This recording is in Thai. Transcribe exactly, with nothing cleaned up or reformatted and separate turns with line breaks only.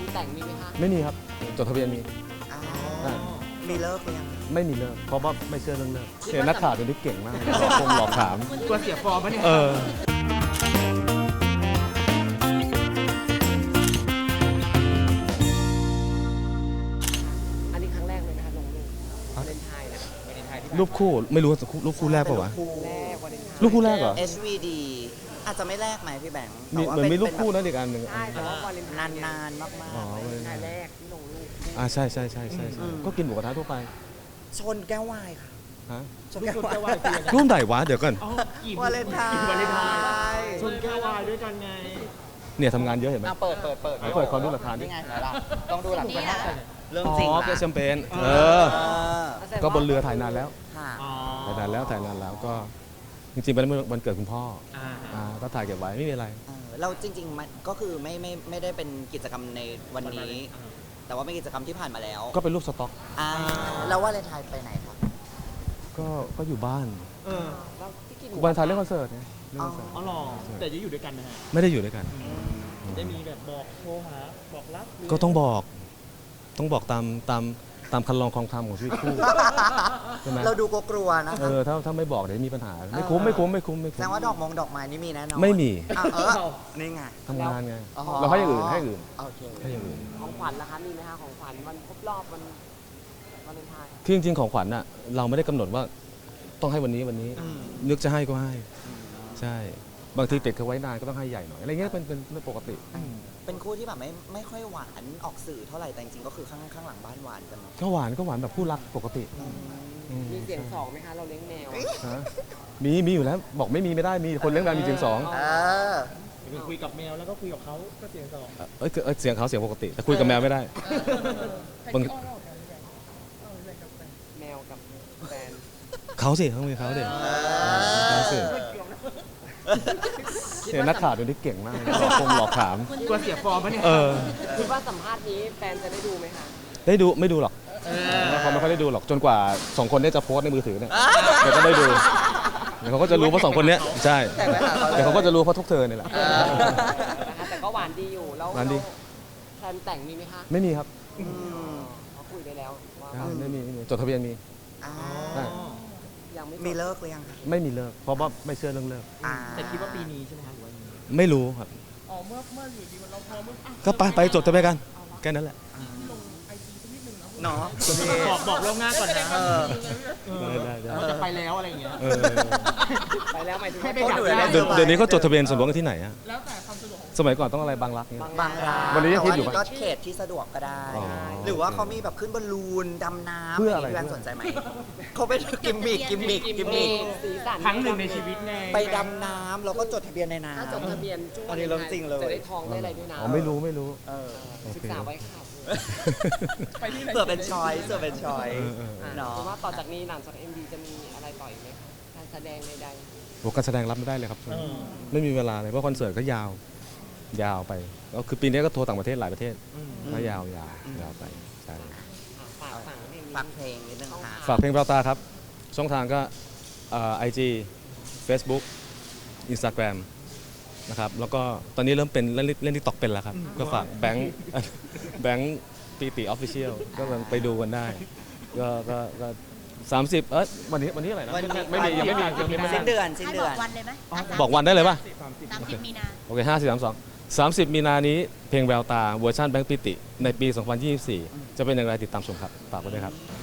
นแต่งมีไหมคะ
ไม่มีครับจดทะเบียนมี
มีเลิกหรือยัง
ไม่มีเลิกเพราะว่าไม่เชื่อเรื่องเลิกเห็นนักข่าวตัวนี้เก่งมากคงหลอกถาม
ตัวเสียฟอร์มปะเนี่ย
เออ
อันนี้ครั้งแรกเลยนะคะลงรูปวาเลนไทน์นะ
รูปคู่ไม่รู้รูปคู่แรกป่าวะ
แรกวาเลนไทน์
รูปคู่แรกเหรอ
เอช วี ดี อาจจะไม่แรกไหมพี่แบงค์
มีเหมือนมีรูปคู่นะอีกอันหนึ่ง
ใช่แต่ว่าวาเลนไท
นาน
น์
นานๆมาก
อ๋อ
วาเลนไทน์แรกที่ลงรูป
อ่าใช่ใช่ใช่ใช่ใช่ก็กินหมูกระทะทั่วไป
ๆชนแก้ววายค่ะ
ฮะ
ชนแก้ววาย
รูปไหนวะเดี๋ยวก่อน
วาเลนไทน์
วาเลนไทน์ชนแก้ววายด้วยกันไง
เนี่ยทำงานเยอะเห็นไหม
อ่ะเปิดเปิดเปิด
เปิดขอดูหลักฐานดิ
นี่ไงล่ะต้องดูหลักฐานเรื่อง
อ๋
จริง
อ
นะ
แกแชมเปญเอ
เอ
อ
อ
ก็บนเรือถ่ายนานแล้ว
ค่ะ
ถ่ายนานแล้วถ่ายนานแล้วก็จริงๆเป็นวันเกิดคุณพ่อ
อ่า
อ่าก็ถ่ายเก็บไว้ไม่มีอะไร
เออเราจริงๆมันก็คือไม่ไม่ไม่ได้เป็นกิจกรรมในวันนี้ แต่ว่าเป็นกิจกรรมที่ผ่านมาแล้ว
ก็เป็นรูปสต็อก
อ่าแล้วว่าเลนไทน์ไปไหนครับ
ก็ก็อยู่บ้าน
เออ
แล้วที่กินหมู
วันไทายเล่นคอนเสิร์ตเนี่ยเล่นคอนเสิร์ต
อ๋อหรอแต่จะอยู่ด้วยกันนะฮะ
ไม่ได้อยู่ด้วยกัน
ได้มีแบบบอกโทรหาบอกรักหรื
ก็ต้องบอก ต้องบอกตามตามตามคันลองคลองธรรมของชีวิตคู่ ใช่ไหม
เราดูกลัวๆนะ
เอ
คะ
อถ้าถ้าไม่บอกเดี๋ยวมีปัญหา ไม่คุ้มไม่คุ้มไม่คุ้มไม่
แส
คุ้
ด
ม
งว่าดอกมงดอกไม้นี่มีแน่นอน
ไม่มี
อ่ะเออนี่ไง
ทำงานไง
อ๋อ
เราให้อย่างอื่นให้อย่างอื่น
โอเค
ให้อย่างอื่น
ของขวัญล่ะคะมีไหมคะของขวัญวันครบรอบวันวาเลนไทน์
ที่จริงๆของขวัญน่ะเราไม่ได้กำหนดว่าต้องให้วันนี้วันนี้
อืม
นึกจะให้ก็ให้ ใช่ บางทีติดเขาไว้นานก็ต้องให้ใหญ่หน่อยอะไรเงี้ยเป็นเป็นเรื่องปกติ
เป็นคู่ที่แบบไม่ไม่ค่อยหวานออกสื่อเท่าไหร่แต่จริงๆก็คือข้างข้างหลังบ้านหวานกันเนาะ
ก็หวานก็หวานแบบคู่รักปกติอืม
มีเสียงสองไหมคะเราเลี้ยงแมว
ฮะมีมีอยู่แล้วบอกไม่มีไม่ได้มีคนเลี้ยงแมวมีเสียงสอง
เออ
คุยกับแมวแล้วก็คุยกับเขาก็เสียงสอง
เอ้ยเอ้ยเสียงเขาเสียงปกติแต่คุยกับแมวไม่ได้บาง
แมวกับแฟน
เขาสิเขามีเขาเด็เขาสิเห็นนักข่าวตัวนี้เก่งมากคงหลอกถาม
ตัวเสียฟอร์มปะเนี่ย
เออ
คิดว่าสัมภาษณ์นี้แฟนจะได้ดูไหมคะ
ได้ดูไม่ดูหรอกเขาไม่ค่อยได้ดูหรอกจนกว่าสองคนเนี้จะโพสต์ในมือถือเนี่ยเดี๋ยวก็ได้ดูเดี๋ยวเขาก็จะรู้ว่าสองคนเนี้ยใช่เดี๋ยวเขาก็จะรู้เพราะทุกเธอเนี่ยแหละ
นะคะแต่ก็หวานดีอยู่แล้ว
หวานดี
แฟนแต่งมีไหมคะ
ไม่มีครับ
อืม
เขาคุยได้แล้วว่า
ใช่ไม่มีไม่มีจดทะเบียนมี
อ่า
อ่า
ยังไม่
มีเลิกหรือยังคะ
ไม่มีเลิกเพราะว่าไม่เชื่อเรื่องเลิก
อ่า
แต่คิดว่าปีนี้ใช่ไหมคะหรือว่ายังไง
ไม่รู้ครับ
อ๋อเมื่อเมื่ออยู่ดีเราพอเมื่ออ่ะ
ก็ไปไปจดทะเบียนกันแค่นั้นแหละ
เนาะ
บอกบอกล่วงหน้าก่อนนะ
เออ
ได้ได้ได้
ว่าจะไปแล้วอะไรอย่างเงี้ย
เออ
ไปแล้วหมายถึง
ให้ไป
ว่า
จับ
ดูแล
เดี๋ยวเดี๋ยวนี้เขาจดทะเบียนสมรสกันที่ไหนอะ
แล้วแต่ความสะดวกของ
สมัยก่อนต้องอะไรบางรักเนี่ย
บางร้าน
วันนี้ยังคิดอยู่
แต่
ปะ
ว่าก็เขตที่สะดวกก็ได้
อ๋อ
หรือว่าเขามีแบบขึ้นบอลลูนดำน้ำ
เพื่ออะไร
พี่แบงค์สนใจไหมเขาเป็นกิมมิกกิมมิกกิมมิก
สีสัน
ครั้งหนึ่งในชีวิตไง
ไปดำน้ำแล้วก็จดทะเบียนในน้ำ
ถ้าจดทะเบียนช่วง
อันนี้เรื่องจริงเลย
จะได้ทองได้อะไรด้วยนะ
อ๋อไม่รู้ไม่รู้
เออ
โอเค
ศึกษาไว้ค่ะ
ไปที่ไหน
เผื่อเป็นชอยเผื่อเป็นชอย
เออเออเออ
เนาะ
เพราะว่าต่อจากนี้หลังจากเอ็มดีจะมีอะไรต่ออีกไหมคะการแสดงใด
โหการแสดงรับไม่ได้เลยครับ
เออ
ไม่มีเวลาเลยเพราะคอนเสิร์ตก็ยาว ยาวไปก็คือปีนี้ก็โทรต่างประเทศหลายประเทศก็ยาวยาวยาวไปใช่
ๆอ่ะฝากฝังเพลง
ฟั
นี้
งเพลงนิดนึงค่ะ
ฝากเพลงเปล่าตาครับ ช่องทางก็ไอจีเฟซบุ๊กอินสตาแกรมนะครับแล้วก็ตอนนี้เริ่มเป็นเล่นเล่นทิกตอกเป็นแล้วครับ ก็ฝากแบงค์ แบงค์ปีติออฟฟิเชียลก็ลองไปดูกันได้ ก็ก็ก็สามสิบเอ้ยวันนี้วันนี้อะไรนะ
วันนี้
ไม่มียังไม่มียังไม่มี
สิ้นเดือนสิ้น
ให้
เดื
บ
อ
อน กวันเลยไหม
บอกวันได้เลยป่ะ
สามสิบมีนา
โอเคห้าสี่สามสองสามสิบมีนานี้เพลงแววตาเวอร์ชันแบงค์ปิติในปี สองพันยี่สิบสี่ จะเป็นอย่างไรติดตามชมครับฝากไว้ด้วยครับ